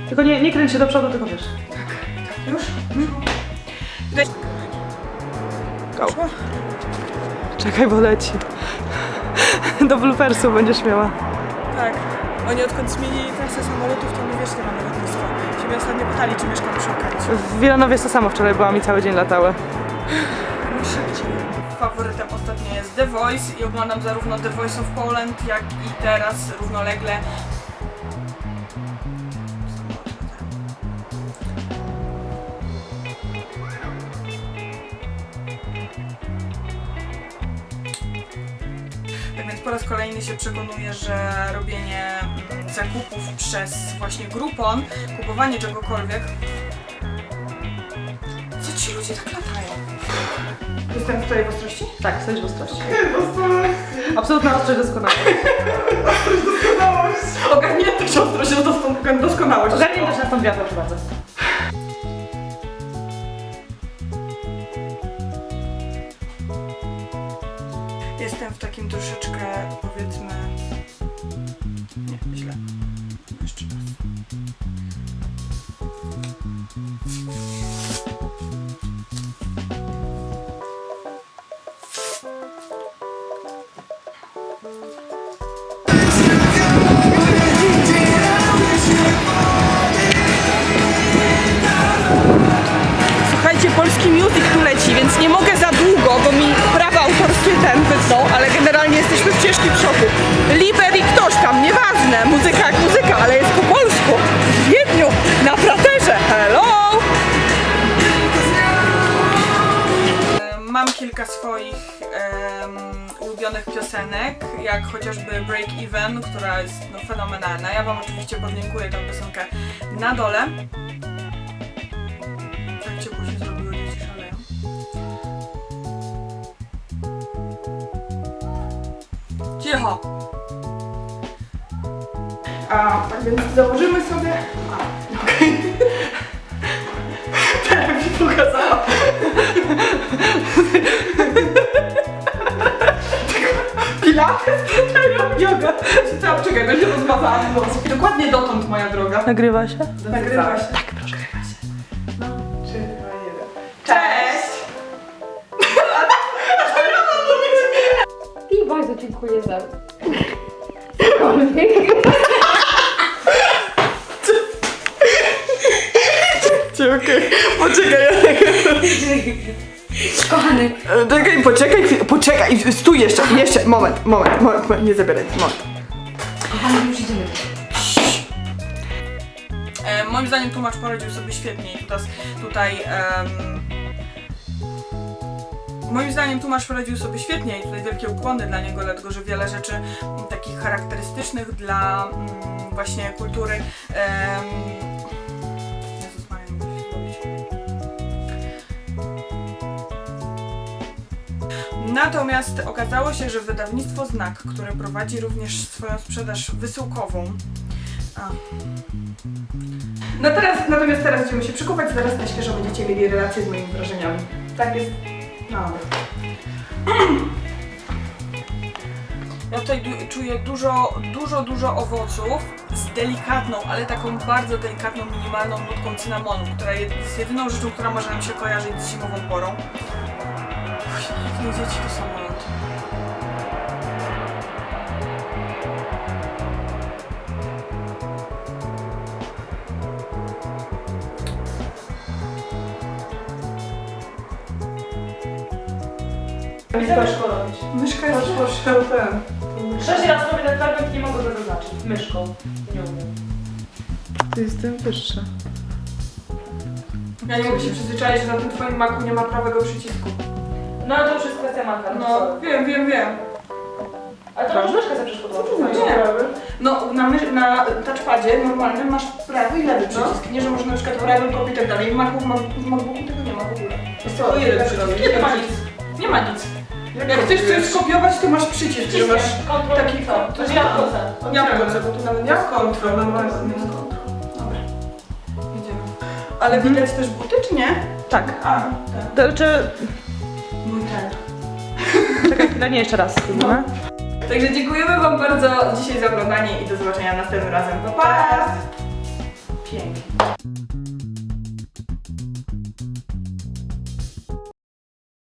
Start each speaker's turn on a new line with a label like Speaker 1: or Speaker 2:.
Speaker 1: Tylko nie kręć się do przodu, tylko wiesz.
Speaker 2: Tak, już?
Speaker 1: Go. Czekaj, bo leci. Do bloopersu będziesz miała.
Speaker 2: Tak. Oni odkąd zmienili trasę samolotów, to my wiesz, nie mamy lotnisko. Się mnie ostatnio pytali, czy mieszkam przy okazji.
Speaker 1: W Wilanowie to samo wczoraj byłam i cały dzień latały.
Speaker 2: No szybciej. Faworytem ostatnio jest The Voice i oglądam zarówno The Voice of Poland, jak i teraz równolegle tak więc po raz kolejny się przekonuję, że robienie zakupów przez właśnie Groupon, kupowanie czegokolwiek. Co ci ludzie tak latają? Jestem tutaj w ostrości?
Speaker 1: Tak, stoisz w ostrości. Absolutna ostrość, doskonałość.
Speaker 2: Ostrość, doskonałość. Ogarnięta się ostrość, doskonałość.
Speaker 1: Ogarnięta się na stąd wiatr, proszę bardzo.
Speaker 2: Jestem w takim troszeczkę, powiedzmy... Nie, źle. Jeszcze raz. Słuchajcie, polski music tu leci, więc nie mogę za długo, bo mi prawa autorskie wytną, ale generalnie jesteśmy w ciężkim szoku. Liber i ktoś tam, nieważne, muzyka jak muzyka, ale jest po polsku, w Wiedniu, na Praterze, hello! Mam kilka swoich ulubionych piosenek, jak chociażby Break Even, która jest fenomenalna. Ja wam oczywiście podlinkuję tę piosenkę na dole. Tak ciepło się zrobiło, dzieci szaleją. Cicho! Tak więc założymy sobie... Tak mi się pokazała. Pilates? Yoga. Czekaj, będzie rozmazała włosów. Dokładnie dotąd, moja droga.
Speaker 1: Nagrywa się?
Speaker 2: Nagrywa się.
Speaker 1: Tak, proszę.
Speaker 2: Nagrywa się. No, 3, 2, 1. Cześć!
Speaker 3: I bardzo dziękuję za...
Speaker 2: Okej, poczekaj.
Speaker 3: Kochany.
Speaker 2: Poczekaj, stój jeszcze, moment, nie zabieraj, moment.
Speaker 3: Kochany, już idziemy.
Speaker 2: Moim zdaniem tłumacz poradził sobie świetnie i moim zdaniem tłumacz poradził sobie świetnie i tutaj wielkie ukłony dla niego, dlatego że wiele rzeczy takich charakterystycznych dla właśnie kultury Jezus Maria, nie mogę się zrobić. Natomiast okazało się, że wydawnictwo Znak, które prowadzi również swoją sprzedaż wysyłkową. Natomiast teraz będziemy się przykopać, zaraz na świeżo będziecie mieli relacje z moimi wrażeniami. Tak jest. No. Ja tutaj czuję dużo owoców z delikatną, ale taką bardzo delikatną, minimalną nutką cynamonu, która jest jedyną rzeczą, która może nam się kojarzyć z zimową porą. Jak nie dzieci to samolot.
Speaker 1: Myszka jest robić.
Speaker 2: Myszka jest poszczełtem.
Speaker 1: 6 razy robię ten fragment, nie mogę go zaznaczyć. Myszką. Nie umiem.
Speaker 2: To jestem wyższa. Ja nie mogę się przyzwyczaić, że na tym twoim maku nie ma prawego przycisku.
Speaker 1: No ale to już jest kwestia maka.
Speaker 2: No, wiem.
Speaker 1: Ale to już myszka sobie przeszkodziła.
Speaker 2: Nie. No, na touchpadzie normalnym masz prawy i lewy przycisk. Nie, że może na przykład prawym kopić i tak dalej. W MacBooku tego nie ma w ogóle. Jest tylko jeden przycisk. Nie ma nic. Nie ma nic. Jak chcesz coś skopiować, to masz przycisk, że masz taki...
Speaker 1: To jest jabłko.
Speaker 2: bo tu nawet nie jest kontrol. Dobra, idziemy. Ale widać też buty, czy nie?
Speaker 1: Tak.
Speaker 2: Tak.
Speaker 1: To znaczy...
Speaker 2: Mój ten.
Speaker 1: Czekaj chwilę, nie, jeszcze raz spróbujmy.
Speaker 2: Także dziękujemy wam bardzo dzisiaj za oglądanie i do zobaczenia następnym razem. Pa!
Speaker 1: Pięknie.